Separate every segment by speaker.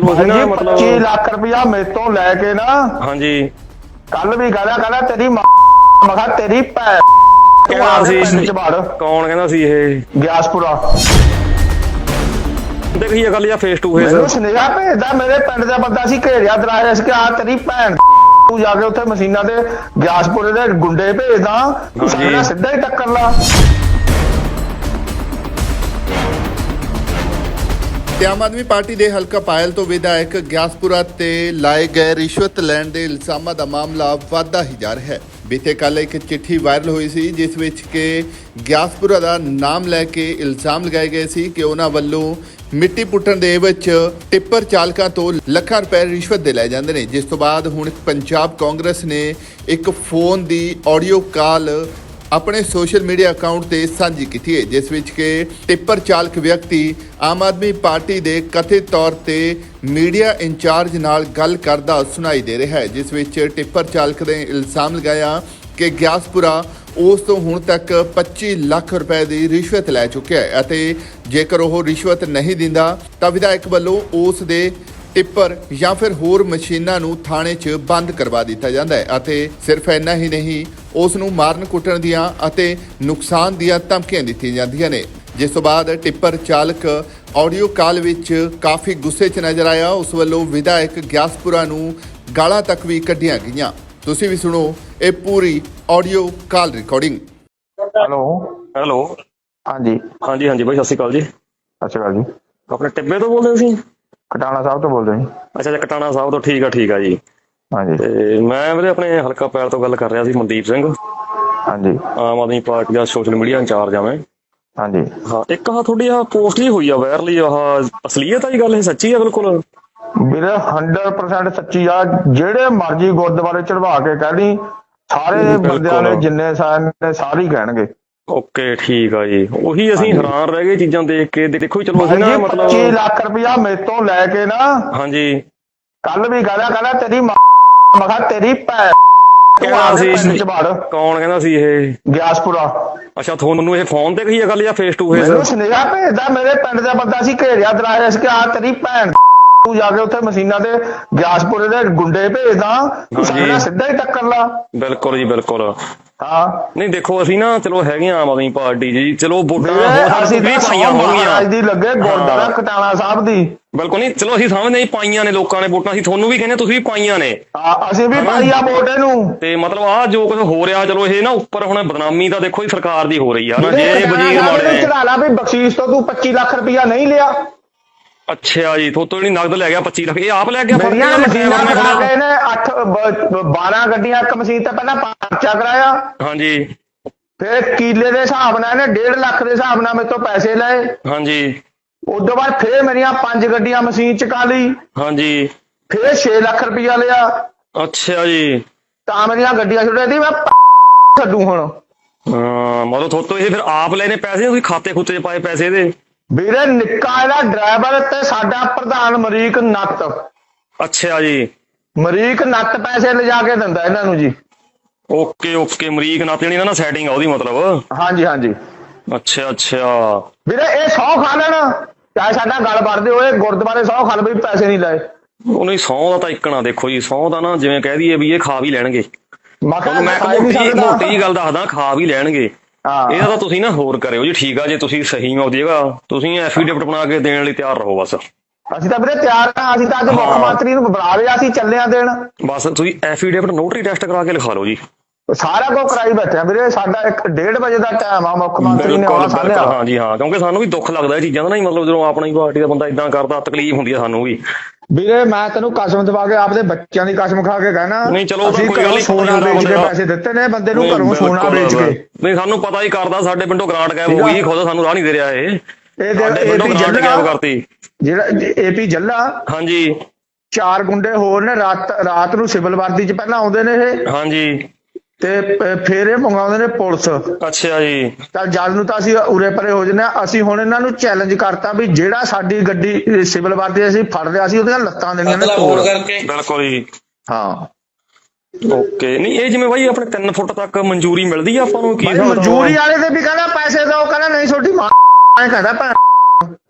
Speaker 1: ਚਲੋ ਅਸੀਂ ਨਾ ਮਤਲਬ
Speaker 2: 25 ਲੱਖ ਰੁਪਇਆ ਮੇਰੇ ਤੋਂ ਲੈ ਕੇ ਨਾ
Speaker 1: ਹਾਂਜੀ
Speaker 2: ਕੱਲ ਵੀ ਕਹਿੰਦਾ ਤੇਰੀ ਮੈਂ ਕਿਹਾ ਤੇਰੀ ਭੈ
Speaker 1: ਕਹਿੰਦਾ
Speaker 2: ਪਿੰਡ
Speaker 1: ਸੀ
Speaker 2: ਚ ਵੜ
Speaker 1: ਕੌਣ ਕਹਿੰਦਾ ਸੀ ਇਹ
Speaker 2: ਗਿਆਸਪੁਰਾ
Speaker 1: ਦੇਖੀ ਗੱਲ ਜਾਂ ਫੇਸ ਟੂ ਫੇਸ
Speaker 2: ਮੈਨੂੰ ਸੁਨੇਹਾ ਭੇਜਦਾ ਮੇਰੇ ਪਿੰਡ ਦਾ ਬੰਦਾ ਸੀ ਘੇਰਿਆ ਦਰਾਇਆ ਸੀ ਕਿ ਆ ਤੇਰੀ ਭੈਣ ਤੂੰ ਜਾ ਕੇ ਉੱਥੇ ਮਸ਼ੀਨਾਂ ਦੇ ਗਿਆਸਪੁਰੇ ਦੇ ਗੁੰਡੇ ਭੇਜਦਾ ਤੂੰ ਸਾਡੇ ਨਾਲ ਸਿੱਧਾ ਹੀ ਟੱਕਰ ਲਾ।
Speaker 3: ਤੇ ਆਮ ਆਦਮੀ ਪਾਰਟੀ ਦੇ ਹਲਕਾ ਪਾਇਲ ਤੋਂ ਵਿਧਾਇਕ ਗਿਆਸਪੁਰਾ ਤੇ ਲਾਏ ਗਏ ਰਿਸ਼ਵਤ ਲੈਣ ਦੇ ਇਲਜ਼ਾਮਾਂ ਦਾ ਮਾਮਲਾ ਵਧਦਾ ਹੀ ਜਾ ਰਿਹਾ ਹੈ। ਬੀਤੇ ਕੱਲ੍ਹ ਇੱਕ ਚਿੱਠੀ ਵਾਇਰਲ ਹੋਈ ਸੀ ਜਿਸ ਵਿੱਚ ਕਿ ਗਿਆਸਪੁਰਾ ਦਾ ਨਾਮ ਲੈ ਕੇ ਇਲਜ਼ਾਮ ਲਗਾਏ ਗਏ ਸੀ ਕਿ ਉਹਨਾਂ ਵੱਲੋਂ ਮਿੱਟੀ ਪੁੱਟਣ ਦੇ ਵਿੱਚ ਟਿੱਪਰ ਚਾਲਕਾਂ ਤੋਂ ਲੱਖਾਂ ਰੁਪਏ ਰਿਸ਼ਵਤ ਦੇ ਲਏ ਜਾਂਦੇ ਨੇ। ਜਿਸ ਤੋਂ ਬਾਅਦ ਹੁਣ ਪੰਜਾਬ ਕਾਂਗਰਸ ਨੇ ਇੱਕ ਫੋਨ ਦੀ ਆਡੀਓ ਕਾਲ ਆਪਣੇ ਸੋਸ਼ਲ ਮੀਡੀਆ ਅਕਾਊਂਟ ਤੇ ਸਾਂਝੀ ਕੀਤੀ ਹੈ ਜਿਸ ਵਿੱਚ ਕਿ ਟਿੱਪਰ ਚਾਲਕ ਵਿਅਕਤੀ ਆਮ ਆਦਮੀ ਪਾਰਟੀ ਦੇ ਕਥਿਤ ਤੌਰ ਤੇ ਮੀਡੀਆ ਇੰਚਾਰਜ ਨਾਲ ਗੱਲ ਕਰਦਾ ਸੁਣਾਈ ਦੇ ਰਿਹਾ ਹੈ। ਜਿਸ ਵਿੱਚ ਟਿੱਪਰ ਚਾਲਕ ਨੇ ਇਲਜ਼ਾਮ ਲਗਾਇਆ ਕਿ ਗਿਆਸਪੁਰਾ ਉਸ ਤੋਂ ਹੁਣ ਤੱਕ 25 ਲੱਖ ਰੁਪਏ ਦੀ ਰਿਸ਼ਵਤ ਲੈ ਚੁੱਕਿਆ ਹੈ ਅਤੇ ਜੇਕਰ ਉਹ ਰਿਸ਼ਵਤ ਨਹੀਂ ਦਿੰਦਾ ਤਾਂ ਵਿਧਾਇਕ ਵੱਲੋਂ ਉਸ ਦੇ ਟਿੱਪਰ ਜਾਂ ਫਿਰ ਹੋਰ ਮਸ਼ੀਨਾਂ ਨੂੰ ਥਾਣੇ 'ਚ ਬੰਦ ਕਰਵਾ ਦਿੱਤਾ ਜਾਂਦਾ ਹੈ ਅਤੇ ਸਿਰਫ ਇੰਨਾ ਹੀ ਨਹੀਂ ਉਸ ਨੂੰ ਮਾਰਨ ਕੁੱਟਣ ਦੀਆਂ ਅਤੇ ਨੁਕਸਾਨ ਦੀਆਂ ਧਮਕੀਆਂ ਦਿੱਤੀਆਂ ਜਾਂਦੀਆਂ ਨੇ। ਜਿਸ ਤੋਂ ਬਾਅਦ ਟਿੱਪਰ ਚਾਲਕ ਆਡੀਓ ਕਾਲ ਵਿੱਚ ਕਾਫੀ ਗੁੱਸੇ 'ਚ ਨਜ਼ਰ ਆਇਆ। ਉਸ ਵੱਲੋਂ ਵਿਧਾਇਕ ਗਿਆਸਪੁਰਾ ਨੂੰ ਗਾਲਾਂ ਤੱਕ ਵੀ ਕੱਢੀਆਂ ਗਈਆਂ। ਤੁਸੀਂ ਵੀ ਸੁਣੋ ਇਹ ਪੂਰੀ audio call recording.
Speaker 2: Hello
Speaker 1: hello
Speaker 2: ਹਾਂਜੀ
Speaker 1: ਹਾਂਜੀ ਹਾਂਜੀ ਬਾਈ ਸਤਿ ਸ਼੍ਰੀ ਅਕਾਲ ਜੀ।
Speaker 2: ਸਤਿ ਸ਼੍ਰੀ ਅਕਾਲ ਜੀ।
Speaker 1: ਆਪਣੇ ਟਿੱਬੇ ਤੋਂ ਬੋਲਦੇ ਤੁਸੀਂ?
Speaker 2: ਕਟਾਣਾ ਸਾਹਿਬ ਤੋਂ ਬੋਲਦੇ ਜੀ।
Speaker 1: ਅੱਛਾ ਅੱਛਾ ਕਟਾਣਾ ਸਾਹਿਬ ਤੋਂ ਠੀਕ ਆ ਜੀ।
Speaker 2: ਹਾਂਜੀ
Speaker 1: ਤੇ ਮੈਂ ਵੀਰੇ ਆਪਣੇ ਹਲਕਾ ਪੈਲ ਤੋਂ ਗੱਲ ਕਰ ਰਿਹਾ ਸੀ ਮਨਦੀਪ ਸਿੰਘ
Speaker 2: ਹਾਂਜੀ
Speaker 1: ਆਮ ਆਦਮੀ ਪਾਰਟੀ ਦਾ ਸੋਸ਼ਲ ਮੀਡੀਆ ਇੰਚਾਰਜ ਆ ਮੈਂ।
Speaker 2: ਹਾਂਜੀ
Speaker 1: ਹਾਂ ਇੱਕ ਤੁਹਾਡੀ ਪੋਸਟ ਜੀ ਹੋਈ ਆ ਵਾਇਰਲੀ ਅਸਲੀਅਤ ਆ ਜੀ ਗੱਲ ਇਹ ਸੱਚੀ ਆ ਬਿਲਕੁਲ?
Speaker 2: ਵੀਰੇ 100% ਸੱਚੀ ਆ। ਜਿਹੜੇ ਮਰਜ਼ੀ ਗੁਰਦੁਆਰੇ ਚੜਵਾ ਕੇ ਕਹਿ ਸਾਰੇ ਬੰਦਿਆਂ ਨੇ ਜਿੰਨੇ ਨੇ ਸਾਰੇ ਹੀ ਕਹਿਣਗੇ।
Speaker 1: ਓਕੇ ਠੀਕ ਆ ਜੀ। ਉਹੀ ਅਸੀਂ ਹੈਰਾਨ ਰਹਿ ਗਏ ਚੀਜ਼ਾਂ ਦੇਖ ਕੇ। ਦੇਖੋ ਚਲੋ ਅਸੀਂ ਨਾ ਮਤਲਬ
Speaker 2: 25 ਲੱਖ ਰੁਪਇਆ ਮੇਰੇ ਤੋਂ ਲੈ ਕੇ ਨਾ
Speaker 1: ਹਾਂਜੀ
Speaker 2: ਕੱਲ ਵੀ ਕਹਿੰਦਾ ਤੇਰੀ ਮੈਂ ਕਿਹਾ ਤੇਰੀ ਭੈ
Speaker 1: ਕਹਿੰਦਾ ਸੀ
Speaker 2: ਪਿੰਡ ਚ ਵੜ
Speaker 1: ਕੌਣ ਕਹਿੰਦਾ ਸੀ ਇਹ
Speaker 2: ਗਿਆਸਪੁਰਾ।
Speaker 1: ਅੱਛਾ ਤੁਹਾਨੂੰ ਇਹ ਫੋਨ ਤੇ ਕਹੀ ਆ ਗੱਲ ਜਾਂ ਫੇਸ ਟੂ ਫੇਸ?
Speaker 2: ਮੈਨੂੰ ਸੁਨੇਹਾ ਭੇਜਦਾ ਮੇਰੇ ਪਿੰਡ ਦਾ ਬੰਦਾ ਸੀ ਘੇਰਿਆ ਦਰਾਇਆ ਸੀ ਕਿ ਆ ਤੇਰੀ ਭੈਣ ਤੂੰ ਜਾ ਕੇ ਉੱਥੇ ਮਸ਼ੀਨਾਂ ਦੇ ਗਿਆਸਪੁਰੇ ਦੇ ਗੁੰਡੇ ਭੇਜਦਾ ਤੂੰ ਸਾਡੇ ਨਾਲ ਸਿੱਧਾ ਹੀ ਟੱਕਰ ਲਾ।
Speaker 1: ਬਿਲਕੁਲ ਜੀ ਬਿਲਕੁਲ।
Speaker 2: ਹਾਂ
Speaker 1: ਨਹੀਂ ਦੇਖੋ ਅਸੀਂ ਨਾ ਚਲੋ ਹੈਗੇ ਆਮ ਆਦਮੀ ਪਾਰਟੀ ਜੀ ਚਲੋ ਵੋਟਾਂ
Speaker 2: ਅਸੀਂ ਵੀ
Speaker 1: ਪਾਈਆਂ ਹੋਣਗੀਆਂ
Speaker 2: ਦੀ ਲੱਗੇ ਗੁਰਦੁਆਰਾ ਕਟਾਣਾ ਸਾਹਿਬ ਦੀ।
Speaker 1: ਬਿਲਕੁਲ ਨਹੀਂ ਚਲੋ ਅਸੀਂ ਸਮਝਦੇ ਨਹੀਂ ਪਾਈਆਂ ਨੇ ਲੋਕਾਂ ਨੇ ਵੋਟਾਂ ਅਸੀਂ ਤੁਹਾਨੂੰ ਵੀ ਕਹਿੰਦੇ ਤੁਸੀਂ ਵੀ ਪਾਈਆਂ ਨੇ।
Speaker 2: ਅਸੀਂ ਵੀ ਪਾਈ ਆ ਵੋਟ ਇਹਨੂੰ।
Speaker 1: ਤੇ ਮਤਲਬ ਆਹ ਜੋ ਕੁਝ ਹੋ ਰਿਹਾ ਚਲੋ ਇਹ ਨਾ ਉੱਪਰ ਹੁਣ ਬਦਨਾਮੀ ਤਾਂ ਦੇਖੋ ਜੀ ਸਰਕਾਰ ਦੀ ਹੋ ਰਹੀ ਆ ਨਾ ਜੇ ਵਜ਼ੀਰ ਮਾੜੇ ਨੇ
Speaker 2: ਚੜਾ ਲਾ ਵੀ ਬਖਸ਼ੀਸ਼ ਤੋਂ ਤੂੰ 25 ਲੱਖ ਰੁਪਇਆ ਨਹੀਂ ਲਿਆ।
Speaker 1: ਅੱਛਾ ਜੀ ਥੋਤੋਂ ਜਿਹੜੀ ਨਗਦ ਲੈ ਗਿਆ 25 ਲੱਖ ਇਹ ਆਪ ਲੈ ਗਿਆ?
Speaker 2: ਮਸ਼ੀਨਾਂ ਕਰਾ ਕੇ ਇਹਨੇ 12 ਗੱਡੀਆਂ ਇੱਕ ਮਸ਼ੀਨ ਤੇ ਪਹਿਲਾਂ ਪਰਚਾ ਕਰਾਇਆ।
Speaker 1: ਹਾਂਜੀ
Speaker 2: ਫਿਰ ਕਿੱਲੇ ਦੇ ਹਿਸਾਬ ਨਾਲ ਇਹਨੇ 1.5 ਲੱਖ ਦੇ ਹਿਸਾਬ ਨਾਲ ਮੇਰੇ ਤੋਂ ਪੈਸੇ ਲਏ।
Speaker 1: ਹਾਂਜੀ
Speaker 2: ਉਦੋਂ ਬਾਅਦ ਫਿਰ ਮੇਰੀਆਂ 5 ਗੱਡੀਆਂ ਮਸ਼ੀਨ ਚਕਾ ਲਈ।
Speaker 1: ਹਾਂਜੀ
Speaker 2: ਫਿਰ 6 ਲੱਖ ਰੁਪਇਆ ਲਿਆ।
Speaker 1: ਅੱਛਾ ਜੀ
Speaker 2: ਤਾਂ ਮੇਰੀਆਂ ਗੱਡੀਆਂ ਛੁੱਟੇ ਦੀ ਮੈਂ ਛੱਡੂ ਹੁਣ।
Speaker 1: ਹਾਂ ਮਤਲਬ ਥੋਤੋਂ ਇਹ ਫਿਰ ਆਪ ਲੈਣੇ ਪੈਸੇ ਤੁਸੀਂ ਖਾਤੇ ਖੁੱਤੇ 'ਚ ਪਾਏ ਪੈਸੇ ਇਹਦੇ?
Speaker 2: ਵੀਰੇ ਨਿੱਕਾ ਇਹਦਾ ਡਰਾਈਵਰ ਤੇ ਸਾਡਾ ਪ੍ਰਧਾਨ ਮਰੀਕ ਨੱਤ।
Speaker 1: ਅੱਛਾ ਜੀ
Speaker 2: ਮਰੀਕ ਨੱਤ ਪੈਸੇ ਲਿਜਾ ਕੇ ਦਿੰਦਾ ਇਹਨਾਂ ਨੂੰ ਜੀ।
Speaker 1: ਓਕੇ ਅਮਰੀਕ ਨਾਲ ਜਿਹੜੀ ਨਾ ਸੈਟਿੰਗ ਆ ਉਹਦੀ ਮਤਲਬ?
Speaker 2: ਹਾਂਜੀ ਹਾਂਜੀ
Speaker 1: ਅੱਛਾ
Speaker 2: ਵੀਰੇ ਇਹ 100 ਖਾ ਲੈਣ ਚਾਹੇ ਸਾਡਾ ਗੱਲ ਵੜਦੇ ਹੋਏ ਗੁਰਦੁਆਰੇ 100 ਖਾ ਲਵੇ ਪੈਸੇ ਨਹੀਂ ਲਾਏ।
Speaker 1: ਉਹ ਨਹੀਂ 100 ਦਾ ਤਾਂ ਇੱਕਣਾ ਦੇਖੋ ਜੀ 100 ਦਾ ਨਾ ਜਿਵੇਂ ਕਹਿ ਦਈਏ ਵੀ ਇਹ ਖਾ ਵੀ ਲੈਣਗੇ।
Speaker 2: ਮੈਂ
Speaker 1: ਮੋਟੀ ਜੀ ਗੱਲ ਦੱਸਦਾ ਖਾ ਵੀ ਲੈਣਗੇ। ਇਹਦਾ ਤਾਂ ਤੁਸੀਂ ਨਾ ਹੋਰ ਕਰਿਓ ਜੀ ਠੀਕ ਆ ਜੇ ਤੁਸੀਂ ਸਹੀ ਹੋ ਜਾਏਗਾ ਤੁਸੀਂ ਐਫੀਡੇਵਿਟ ਬਣਾ ਕੇ ਦੇਣ ਲਈ ਤਿਆਰ ਰਹੋ ਬਸ।
Speaker 2: ਅਸੀਂ ਤਾਂ ਵੀਰੇ ਤਿਆਰ ਹਾਂ। ਅਸੀਂ ਤਾਂ ਅੱਜ ਮੁੱਖ ਮੰਤਰੀ ਨੂੰ ਬੁਲਾ ਲਿਆ ਅਸੀਂ ਚੱਲੇ ਆ ਦੇਣ।
Speaker 1: ਬਸ ਤੁਸੀਂ ਐਫੀਡੇਵਿਟ ਨੋਟਰੀ ਟੈਸਟ ਕਰਾ ਕੇ ਲਿਖਾ ਲਓ ਜੀ।
Speaker 2: ਸਾਰਾ ਕੁਝ ਕਰਾਈ ਬੈਠੇ ਆ ਵੀਰੇ। ਸਾਡਾ 1:30 ਵਜੇ ਦਾ ਟਾਈਮ ਆ ਮੁੱਖ ਮੰਤਰੀ ਨੇ ਆਉਣਾ ਸਾਰਿਆਂ।
Speaker 1: ਹਾਂਜੀ ਹਾਂ ਕਿਉਂਕਿ ਸਾਨੂੰ ਵੀ ਦੁੱਖ ਲੱਗਦਾ ਇਹ ਚੀਜ਼ਾਂ ਦਾ ਨਹੀਂ ਮਤਲਬ ਜਦੋਂ ਆਪਣੀ ਪਾਰਟੀ ਦਾ ਬੰਦਾ ਇਦਾਂ ਕਰਦਾ ਤਕਲੀਫ ਹੁੰਦੀ ਆ ਸਾਨੂੰ ਵੀ।
Speaker 2: ਵੀਰੇ ਮੈਂ ਤੈਨੂੰ ਕਸਮ ਦਵਾ ਕੇ ਆਪਦੇ ਬੱਚਿਆਂ ਦੀ ਕਸਮ ਖਾ ਕੇ ਕਹਿਣਾ
Speaker 1: ਨਹੀਂ ਚਲੋ
Speaker 2: ਅਸੀਂ ਘਰੋਂ ਸੋਨਾ ਵੇਚ ਕੇ ਪੈਸੇ ਦਿੱਤੇ ਨੇ ਬੰਦੇ ਨੂੰ ਘਰੋਂ ਸੋਨਾ ਵੇਚ ਕੇ।
Speaker 1: ਨਹੀਂ ਸਾਨੂੰ ਪਤਾ ਹੀ ਕਰਦਾ ਸਾਡੇ ਪਿੰਡੋਂ ਗ੍ਰਾਂਟ ਗਾਇਬ ਹੋ ਗਈ ਖੁਦ ਸਾਨੂੰ ਰਾਹ ਨਹੀਂ ਦੇ ਰਿਹਾ ਇਹ ਗ੍ਰਾਂਟ ਗਾਇਬ ਕਰਤੀ। ਜਿਹੜਾ ਏਪੀ ਜੱਲਾ ਹਾਂਜੀ 4 ਗੁੰਡੇ ਹੋਰ ਨੇ ਰਾਤ ਨੂੰ ਸਿਵਲ ਵਰਦੀ 'ਚ ਪਹਿਲਾਂ ਆਉਂਦੇ ਨੇ ਇਹ। ਹਾਂਜੀ ਤੇ ਫਿਰ ਇਹ ਮੰਗਾਉਂਦੇ ਨੇ ਪੁਲਿਸ। ਅੱਛਾ ਜੀ ਤਾਂ ਜਦ ਨੂੰ ਤਾਂ ਅਸੀਂ ਉਰੇ ਪਰੇ ਹੋ ਜੰਨੇ। ਅਸੀਂ ਹੁਣ ਇਹਨਾਂ ਨੂੰ ਚੈਲੰਜ ਕਰਤਾ ਵੀ ਜਿਹੜਾ ਸਾਡੀ ਗੱਡੀ ਸਿਵਲ ਵਰਦੀ ਅਸੀਂ ਫੜ ਲਿਆ ਸੀ ਉਹਦੀਆਂ ਲੱਤਾਂ ਦੇਣੀਆਂ ਨੇ ਤੋੜ ਕਰਕੇ। ਬਿਲਕੁਲ ਜੀ ਹਾਂ ਓਕੇ। ਨਹੀਂ ਇਹ ਜਿਵੇਂ ਬਾਈ ਆਪਣੇ 3 ਫੁੱਟ ਤੱਕ ਮਨਜ਼ੂਰੀ ਮਿਲਦੀ ਆ ਆਪਾਂ ਨੂੰ? ਕੀ
Speaker 2: ਮਨਜ਼ੂਰੀ ਵਾਲੇ ਤੇ ਵੀ ਕਹਿੰਦਾ ਪੈਸੇ ਦਿਓ ਕਹਿੰਦਾ ਨਹੀਂ ਤੁਹਾਡੀ ਮਾਂ ਕਹਿੰਦਾ ਭੈਣ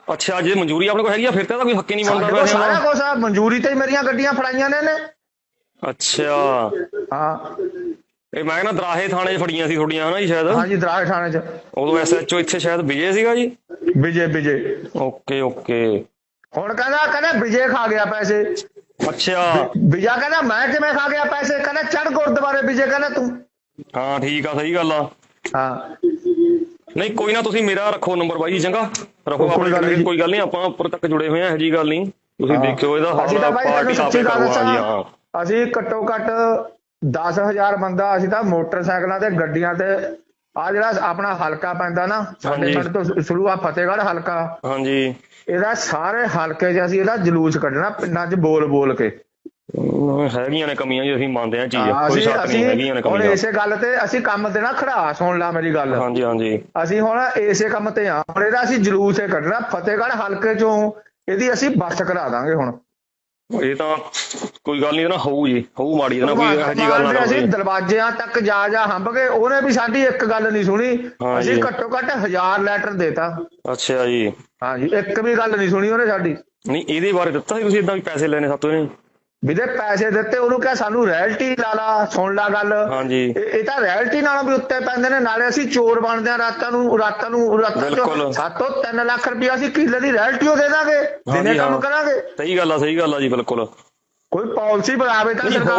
Speaker 1: ਅੱਛਾ ਜੇ ਮਨਜ਼ੂਰੀ ਆਪਣੇ ਕੋਲ ਹੈਗੀ ਆ ਫਿਰ ਤਾਂ ਕੋਈ ਹੱਕੇ ਨਹੀਂ ਬਣਦਾ
Speaker 2: ਸਾਡੇ ਕੋਲ ਸਾਰਾ ਕੁਛ ਆ, ਮਨਜ਼ੂਰੀ ਤੇ ਹੀ ਮੇਰੀਆਂ ਗੱਡੀਆਂ ਫੜਾਈਆਂ ਨੇ ਇਹਨੇ।
Speaker 1: ਅੱਛਾ
Speaker 2: ਹਾਂ
Speaker 1: ਇਹ ਮੈਂ ਕਹਿੰਦਾ ਦਰਾਹੇ ਥਾਣੇ 'ਚ ਫੜੀਆਂ ਸੀ ਤੁਹਾਡੀਆਂ ਹਨਾ ਜੀ ਸ਼ਾਇਦ?
Speaker 2: ਹਾਂਜੀ ਦਰਾਹੇ ਥਾਣੇ 'ਚ।
Speaker 1: ਉਦੋਂ SHO ਇੱਥੇ ਸ਼ਾਇਦ ਵਿਜੇ ਸੀਗਾ ਜੀ?
Speaker 2: ਵਿਜੇ।
Speaker 1: ਓਕੇ
Speaker 2: ਹੁਣ ਕਹਿੰਦਾ ਵਿਜੇ ਖਾ ਗਿਆ ਪੈਸੇ।
Speaker 1: ਅੱਛਾ
Speaker 2: ਵਿਜਾ ਕਹਿੰਦਾ ਮੈਂ ਕਿਵੇਂ ਖਾ ਗਿਆ ਪੈਸੇ? ਕਹਿੰਦਾ ਚੜ ਗੁਰਦੁਆਰੇ ਵਿਜੇ ਕਹਿੰਦਾ ਤੂੰ।
Speaker 1: ਹਾਂ ਠੀਕ ਆ, ਸਹੀ ਗੱਲ ਆ।
Speaker 2: ਹਾਂ
Speaker 1: ਨਹੀਂ ਕੋਈ ਨਾ, ਤੁਸੀਂ ਮੇਰਾ ਰੱਖੋ ਨੰਬਰ ਬਾਈ ਜੀ, ਚੰਗਾ ਰੱਖੋ ਆਪਣੇ ਕੋਲ, ਕੋਈ ਗੱਲ ਨਹੀਂ, ਆਪਾਂ ਉੱਪਰ ਤੱਕ ਜੁੜੇ ਹੋਏ ਆ, ਇਹੋ ਜਿਹੀ ਗੱਲ ਨਹੀਂ। ਤੁਸੀਂ ਦੇਖਿਓ ਇਹਦਾ
Speaker 2: ਅਸੀਂ ਤਾਂ ਬਾਈ ਤੈਨੂੰ ਸੱਚੀ ਗੱਲ ਦੱਸਾਂ,
Speaker 1: ਹਾਂ
Speaker 2: ਅਸੀਂ ਘੱਟੋ ਘੱਟ 10,000 ਬੰਦਾ ਅਸੀਂ ਤਾਂ ਮੋਟਰਸਾਈਕਲਾਂ ਤੇ ਗੱਡੀਆਂ ਤੇ ਆ ਜਿਹੜਾ ਆਪਣਾ ਹਲਕਾ ਪੈਂਦਾ ਨਾ ਸਾਡੇ ਪਿੰਡ ਤੋਂ ਸ਼ੁਰੂ ਆ ਫਤਿਹਗੜ੍ਹ ਹਲਕਾ, ਹਾਂਜੀ ਇਹਦਾ ਸਾਰੇ ਹਲਕੇ 'ਚ ਅਸੀਂ ਇਹਦਾ ਜਲੂਸ ਕੱਢਣਾ ਪਿੰਡਾਂ 'ਚ ਬੋਲ ਕੇ।
Speaker 1: ਹੈਗੀਆਂ ਨੇ ਕਮੀਆਂ ਜੀ, ਅਸੀਂ ਮੰਨਦੇ ਹਾਂ ਚੀਜ਼, ਕੋਈ ਸ਼ੱਕ ਨਹੀਂ, ਹੈਗੀਆਂ ਨੇ ਕਮੀਆਂ।
Speaker 2: ਹੁਣ ਇਸੇ ਗੱਲ ਤੇ ਅਸੀਂ ਕੰਮ ਤੇ ਨਾ ਖੜਾ, ਸੁਣ ਲਾ ਮੇਰੀ ਗੱਲ।
Speaker 1: ਹਾਂਜੀ
Speaker 2: ਅਸੀਂ ਹੁਣ ਇਸੇ ਕੰਮ ਤੇ ਆ, ਹੁਣ ਇਹਦਾ ਅਸੀਂ ਜਲੂਸ ਹੀ ਕੱਢਣਾ ਫਤਿਹਗੜ੍ਹ ਹਲਕੇ 'ਚੋਂ, ਇਹਦੀ ਅਸੀਂ ਬੱਸ ਕਰਾ ਦਾਂਗੇ। ਹੁਣ
Speaker 1: ਇਹ ਤਾਂ ਕੋਈ ਗੱਲ ਨਹੀਂ ਨਾ, ਹੋਊ ਮਾੜੀ ਨਾ, ਕੋਈ ਇਹੋ ਜਿਹੀ ਗੱਲ ਨਾ।
Speaker 2: ਅਸੀਂ ਦਰਵਾਜ਼ਿਆਂ ਤੱਕ ਜਾ ਹੰਭ ਗਏ, ਉਹਨੇ ਵੀ ਸਾਡੀ ਇੱਕ ਗੱਲ ਨਹੀਂ ਸੁਣੀ। ਅਸੀਂ ਘੱਟੋ ਘੱਟ 1000 ਲੈਟਰ ਦੇਤਾ।
Speaker 1: ਅੱਛਾ ਜੀ। ਹਾਂਜੀ
Speaker 2: ਇੱਕ ਵੀ ਗੱਲ ਨਹੀਂ ਸੁਣੀ ਉਹਨੇ ਸਾਡੀ।
Speaker 1: ਨਹੀਂ ਇਹਦੇ ਬਾਰੇ ਦਿੱਤਾ ਸੀ ਤੁਸੀਂ ਏਦਾਂ ਵੀ ਪੈਸੇ ਲੈਣੇ ਸਾਤੋਂ ਇਹਨੇ?
Speaker 2: ਵੀਰੇ ਪੈਸੇ ਦਿੱਤੇ, ਉਹਨੂੰ ਕਿਹਾ ਸਾਨੂੰ ਰੈਲਟੀ ਲਾ ਲਾ, ਸੁਣ ਲਾ ਗੱਲ। ਹਾਂਜੀ ਇਹ ਤਾਂ ਰੈਲਟੀ ਨਾਲੋਂ ਵੀ ਉੱਤੇ ਪੈਂਦੇ ਨੇ, ਨਾਲੇ ਅਸੀਂ ਚੋਰ ਬਣਦੇ ਆ ਰਾਤਾਂ ਨੂੰ ਸਾਤੋਂ 3 ਲੱਖ ਰੁਪਇਆ ਅਸੀਂ ਕਿੱਲੇ ਦੀ ਰੈਲਟੀ ਉਹ ਦੇ ਦਾਂਗੇ, ਦਿਨੇ ਕੰਮ ਕਰਾਂਗੇ।
Speaker 1: ਸਹੀ ਗੱਲ ਆ ਜੀ, ਬਿਲਕੁਲ।
Speaker 2: ਕੋਈ ਪਾਲਿਸੀ ਬਣਾਵੇ ਤਾਂ ਸਰਕਾਰ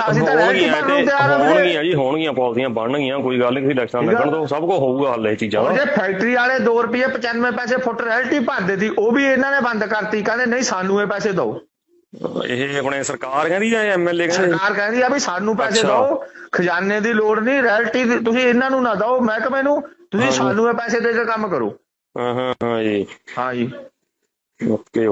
Speaker 1: ਹੋਣਗੀਆਂ ਪਾਲਿਸੀਆਂ ਬਣਨਗੀਆਂ, ਕੋਈ ਗੱਲ ਨਹੀਂ, ਤੁਸੀਂ ਇਲੈਕਸ਼ਨ ਲੱਗਣ ਤੋਂ ਸਭ ਕੁਝ ਹੋਊਗਾ ਹੱਲ ਇਹ ਚੀਜ਼ਾਂ।
Speaker 2: ਜੇ ਫੈਕਟਰੀ ਵਾਲੇ 2 ਰੁਪਏ 95 ਪੈਸੇ ਫੁੱਟ ਰੈਲਟੀ ਭਰਦੇ ਸੀ, ਉਹ ਵੀ ਇਹਨਾਂ ਨੇ ਬੰਦ ਕਰਤੀ, ਕਹਿੰਦੇ ਨਹੀਂ ਸਾਨੂੰ ਇਹ ਪੈਸੇ ਦਿਓ।
Speaker 1: ਇਹ ਆਪਣੇ ਸਰਕਾਰ ਕਹਿੰਦੀ ਜਾਂ MLA ਕਹਿੰਦੇ?
Speaker 2: ਸਰਕਾਰ ਕਹਿੰਦੀ ਆ ਵੀ ਸਾਨੂੰ ਪੈਸੇ ਦਿਓ, ਖਜ਼ਾਨੇ ਦੀ ਲੋੜ ਨਹੀਂ, ਰੈਲਟੀ ਤੁਸੀਂ ਇਹਨਾਂ ਨੂੰ ਨਾ ਦਿਓ ਮਹਿਕਮੇ ਨੂੰ, ਤੁਸੀਂ ਸਾਨੂੰ ਇਹ ਪੈਸੇ ਦੇ ਕੇ ਕੰਮ ਕਰੋ। ਹਾਂਜੀ
Speaker 1: ਓਕੇ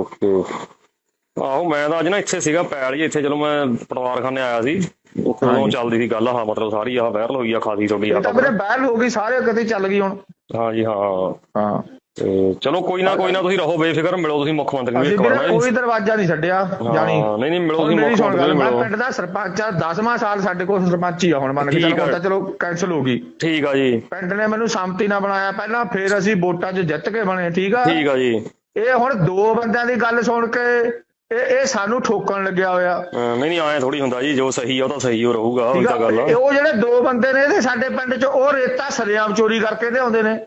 Speaker 1: ਆਹੋ ਮੈਂ ਤਾਂ ਅੱਜ ਨਾ ਇੱਥੇ ਸੀਗਾ ਪੈਲ ਜੀ, ਇੱਥੇ ਚਲੋ ਮੈਂ ਪਟਵਾਰਖਾਨੇ ਆਇਆ ਸੀ, ਉਦੋਂ ਚੱਲਦੀ ਸੀ ਗੱਲ, ਆਹ ਮਤਲਬ ਸਾਰੀ ਆਹ ਵਾਇਰਲ ਹੋਈ ਆ ਖਾਸੀ ਤੁਹਾਡੀ ਆ
Speaker 2: ਤਾਂ ਵਾਇਰਲ ਹੋ ਗਈ, ਸਾਰੇ ਕਿਤੇ ਚੱਲ ਗਈ ਹੁਣ।
Speaker 1: ਹਾਂਜੀ ਹਾਂ ਤੇ ਚਲੋ ਕੋਈ ਨਾ ਤੁਸੀਂ ਰਹੋ ਬੇਫਿਕਰ, ਮਿਲੋ ਤੁਸੀਂ ਮੁੱਖ ਮੰਤਰੀ ਨੂੰ ਇੱਕ ਵਾਰ।
Speaker 2: ਕੋਈ ਦਰਵਾਜ਼ਾ ਨਹੀਂ ਛੱਡਿਆ ਜਾਣੀ।
Speaker 1: ਨਹੀਂ ਮਿਲੋ ਤੁਸੀਂ ਮੁੱਖ ਮੰਤਰੀ ਨੂੰ।
Speaker 2: ਮੈਂ ਪਿੰਡ ਦਾ ਸਰਪੰਚ ਆ, 10ਵਾਂ ਸਾਲ ਸਾਡੇ ਕੋਲ ਸਰਪੰਚ ਹੀ ਆ ਹੁਣ, ਮੰਨ ਕੇ ਚੱਲੋ, ਚਲੋ ਕੈਂਸਲ ਹੋ ਗਈ। ਠੀਕ ਆ ਜੀ। ਪਿੰਡ ਨੇ ਮੈਨੂੰ ਸੰਮਤੀ ਨਾਲ ਬਣਾਇਆ ਪਹਿਲਾਂ, ਫਿਰ ਅਸੀਂ ਵੋਟਾਂ 'ਚ ਜਿੱਤ ਕੇ ਬਣੇ। ਠੀਕ ਆ ਜੀ। ਇਹ ਹੁਣ 2 ਬੰਦਿਆਂ ਦੀ ਗੱਲ ਸੁਣ ਕੇ ਇਹ ਸਾਨੂੰ ਠੋਕਣ ਲੱਗਿਆ ਹੋਇਆ। ਨਹੀਂ ਆਏ ਥੋੜੀ ਹੁੰਦਾ ਜੀ, ਜੋ ਸਹੀ ਆ ਉਹ ਤਾਂ ਸਹੀ ਹੋ ਰਹੂਗਾ, ਉਹ ਤਾਂ ਗੱਲ ਆ। ਉਹ ਜਿਹੜੇ 2 ਬੰਦੇ ਨੇ ਇਹਦੇ ਸਾਡੇ ਪਿੰਡ 'ਚ, ਉਹ ਰੇਤਾ ਸਰੇਆਮ ਚੋਰੀ ਕਰਕੇ ਲਿਆਉਂਦੇ ਨੇ।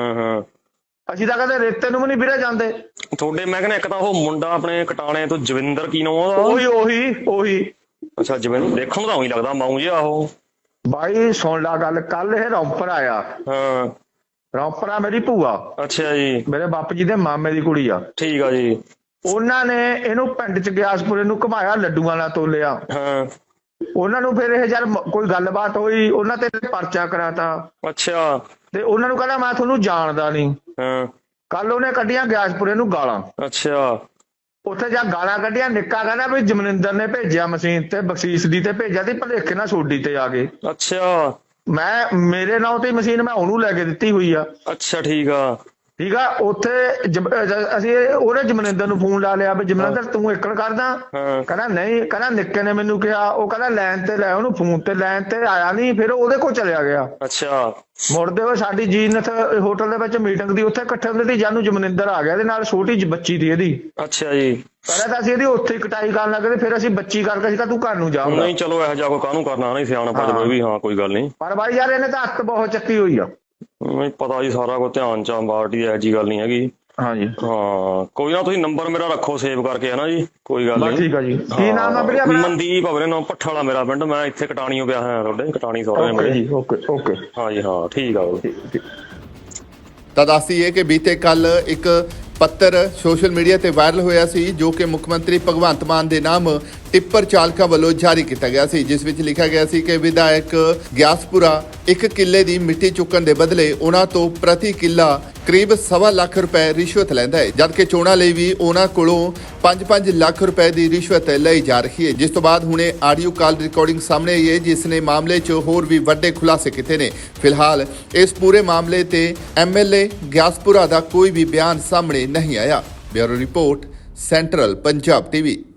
Speaker 2: ਅਸੀਂ ਤਾਂ ਕਦੇ ਰੇਤੇ ਨੂੰ ਵੀ ਨਹੀਂ ਵੀਰੇ ਜਾਂਦੇ ਤੁਹਾਡੇ। ਮੈਂ ਕਹਿੰਦਾ ਇੱਕ ਤਾਂ ਉਹ ਮੁੰਡਾ ਆਪਣੇ ਕਟਾਣੇ ਤੋਂ ਜਵਿੰਦਰ, ਕੀ ਨਾਮ ਉਹਦਾ? ਉਹੀ ਅੱਛਾ ਜਵਿੰਦਰ, ਦੇਖਣ ਨੂੰ ਤਾਂ ਉਹੀ ਲੱਗਦਾ ਮਾਊ ਜਿਹਾ ਉਹ। ਬਾਈ ਸੁਣ ਲਾ ਗੱਲ, ਕੱਲ ਇਹ ਰੌਂਪਰ ਆਇਆ। ਰੌਂਪਰ ਆ ਮੇਰੀ ਭੂਆ। ਅੱਛਾ ਜੀ। ਮੇਰੇ ਬਾਪੂ ਜੀ ਦੇ ਮਾਮੇ ਦੀ ਕੁੜੀ ਆ। ਠੀਕ ਆ ਜੀ। ਉਹਨਾਂ ਨੇ ਇਹਨੂੰ ਪਿੰਡ 'ਚ ਗਿਆਸਪੁਰੇ ਨੂੰ ਘੁਮਾਇਆ, ਲੱਡੂਆਂ ਨਾਲ ਤੋਲਿਆ। ਉਹਨਾਂ ਨੂੰ ਫਿਰ ਇਹ ਜਦ ਕੋਈ ਗੱਲਬਾਤ ਹੋਈ, ਉਹਨਾਂ ਤੇ ਪਰਚਾ ਕਰਾਤਾ। ਅੱਛਾ। ਤੇ ਉਹਨਾਂ ਨੂੰ ਕਹਿੰਦਾ ਮੈਂ ਤੁਹਾਨੂੰ ਜਾਣਦਾ ਨਹੀਂ। ਕੱਲ ਉਹਨੇ ਕੱਢੀਆਂ ਗਿਆਸਪੁਰੇ ਨੂੰ ਗਾਲਾਂ। ਅੱਛਾ। ਉੱਥੇ ਜਾ ਗਾਲਾਂ ਕੱਢੀਆਂ, ਨਿੱਕਾ ਕਹਿੰਦਾ ਵੀ ਜਮਨਿੰਦਰ ਨੇ ਭੇਜਿਆ ਮਸ਼ੀਨ ਤੇ, ਬਖਸ਼ੀਸ਼ ਦੀ ਤੇ ਭੇਜਿਆ ਤੇ ਭਲੇਖੇ ਨਾਲ ਸੋਡੀ ਤੇ ਆ ਗਏ। ਅੱਛਾ। ਮੇਰੇ ਨਾਂ ਤੇ ਮਸ਼ੀਨ ਮੈਂ ਉਹਨੂੰ ਲੈ ਕੇ ਦਿੱਤੀ ਹੋਈ ਆ। ਅੱਛਾ ਠੀਕ ਆ। ਉੱਥੇ ਅਸੀਂ ਉਹਨੇ ਜਮਨਿੰਦਰ ਨੂੰ ਫੋਨ ਲਾ ਲਿਆ ਵੀ ਜਮਨਿੰਦਰ ਤੂੰ ਏਕੜ ਕਰਦਾ? ਕਹਿੰਦਾ ਨਹੀਂ, ਕਹਿੰਦਾ ਨਿੱਕੇ ਨੇ ਮੈਨੂੰ ਕਿਹਾ, ਉਹ ਕਹਿੰਦਾ ਲਾਈਨ ਤੇ ਲੈ, ਉਹਨੂੰ ਫੋਨ ਤੇ ਲਾਈਨ ਤੇ ਆਇਆ ਨਹੀਂ, ਫਿਰ ਉਹਦੇ ਕੋਲ ਚਲਿਆ ਗਿਆ। ਅੱਛਾ। ਮੁੜਦੇ ਹੋਏ ਸਾਡੀ ਜੀਨਤ ਹੋਟਲ ਦੇ ਵਿੱਚ ਮੀਟਿੰਗ ਦੀ, ਉੱਥੇ ਇਕੱਠੇ ਹੁੰਦੇ ਸੀ, ਜਾਨੂੰ ਜਮਨਿੰਦਰ ਆ ਗਿਆ, ਇਹਦੇ ਨਾਲ ਛੋਟੀ ਜਿਹੀ ਬੱਚੀ ਦੀ ਇਹਦੀ। ਅੱਛਾ ਜੀ। ਪਹਿਲਾਂ ਤਾਂ ਅਸੀਂ ਇਹਦੀ ਉੱਥੇ ਹੀ ਕਟਾਈ ਕਰਨ ਲੱਗੇ, ਫਿਰ ਅਸੀਂ ਬੱਚੀ ਕਰਕੇ ਸੀਗਾ ਤੂੰ ਘਰ ਨੂੰ ਜਾ। ਨਹੀਂ ਚਲੋ ਇਹੋ ਜਿਹਾ ਕੋਈ ਕਾਹਨੂੰ ਕਰਨਾ, ਨਹੀਂ ਸਿਆਣਾ ਪਾ ਵੀ, ਹਾਂ ਕੋਈ ਗੱਲ ਨਹੀਂ। ਪਰ ਬਾਈ ਯਾਰ ਇਹਨੇ ਤਾਂ ਹੱਥ ਬਹੁਤ ਚੱਕੀ ਹੋਈ ਆ। ਨਹੀਂ ਪਤਾ ਜੀ, ਸਾਰਾ ਕੁਝ ਧਿਆਨ ਚ ਪਾਰਟੀ, ਇਹੋ ਜਿਹੀ ਗੱਲ ਨਹੀਂ ਹੈਗੀ। ਹਾਂਜੀ ਹਾਂ ਕੋਈ ਨਾ, ਤੁਸੀਂ ਨੰਬਰ ਮੇਰਾ ਰੱਖੋ ਸੇਵ ਕਰਕੇ, ਹਨਾ ਜੀ, ਕੋਈ ਗੱਲ ਨਹੀਂ। ਠੀਕ ਆ ਜੀ। ਕੀ ਨਾਮ ਆ ਵੀਰੇ ਆਪਣਾ? ਮਨਦੀਪ ਆ ਵੀਰੇ, ਨਾਮ ਭੱਠਾ ਵਾਲਾ ਮੇਰਾ ਪਿੰਡ, ਮੈਂ ਇੱਥੇ ਕਟਾਣੀਓ ਪਿਆ ਹੋਇਆ ਤੁਹਾਡੇ, ਕਟਾਣੀ ਸੌਰੇ ਮੇਰੇ। ਓਕੇ ਹਾਂਜੀ ਹਾਂ ਠੀਕ ਆ।
Speaker 3: ਤਾਂ ਦੱਸੀਏ ਕਿ ਬੀਤੇ ਕੱਲ ਇੱਕ ਪੱਤਰ ਸੋਸ਼ਲ ਮੀਡੀਆ ਤੇ ਵਾਇਰਲ ਹੋਇਆ ਸੀ, ਜੋ ਕਿ ਮੁੱਖ ਮੰਤਰੀ ਭਗਵੰਤ ਮਾਨ ਦੇ ਨਾਮ ਟਿੱਪਰ ਚਾਲਕਾਂ ਵੱਲੋਂ ਜਾਰੀ ਕੀਤਾ ਗਿਆ ਸੀ, ਜਿਸ ਵਿੱਚ ਲਿਖਿਆ ਗਿਆ ਸੀ ਕਿ ਵਿਧਾਇਕ ਗਿਆਸਪੁਰਾ 1 ਕਿੱਲੇ ਦੀ ਮਿੱਟੀ ਚੁੱਕਣ ਦੇ ਬਦਲੇ ਉਹਨਾਂ ਤੋਂ ਪ੍ਰਤੀ ਕਿੱਲਾ ਕਰੀਬ 1.25 ਲੱਖ ਰੁਪਏ ਰਿਸ਼ਵਤ ਲੈਂਦਾ ਹੈ, ਜਦਕਿ ਚੋਣਾਂ ਲਈ ਵੀ ਉਹਨਾਂ ਕੋਲੋਂ 5-5 ਲੱਖ ਰੁਪਏ ਦੀ ਰਿਸ਼ਵਤ ਲਈ ਜਾ ਰਹੀ ਹੈ। ਜਿਸ ਤੋਂ ਬਾਅਦ ਹੁਣੇ ਆਡੀਓ ਕਾਲ ਰਿਕਾਰਡਿੰਗ ਸਾਹਮਣੇ ਆਈ ਹੈ, ਜਿਸ ਨੇ ਮਾਮਲੇ 'ਚ ਹੋਰ ਵੀ ਵੱਡੇ ਖੁਲਾਸੇ ਕੀਤੇ ਨੇ। ਫਿਲਹਾਲ ਇਸ ਪੂਰੇ ਮਾਮਲੇ ਤੇ MLA ਗਿਆਸਪੁਰਾ ਦਾ ਕੋਈ ਵੀ ਬਿਆਨ ਸਾਹਮਣੇ ਨਹੀਂ ਆਇਆ। Bureau report, central Punjab TV।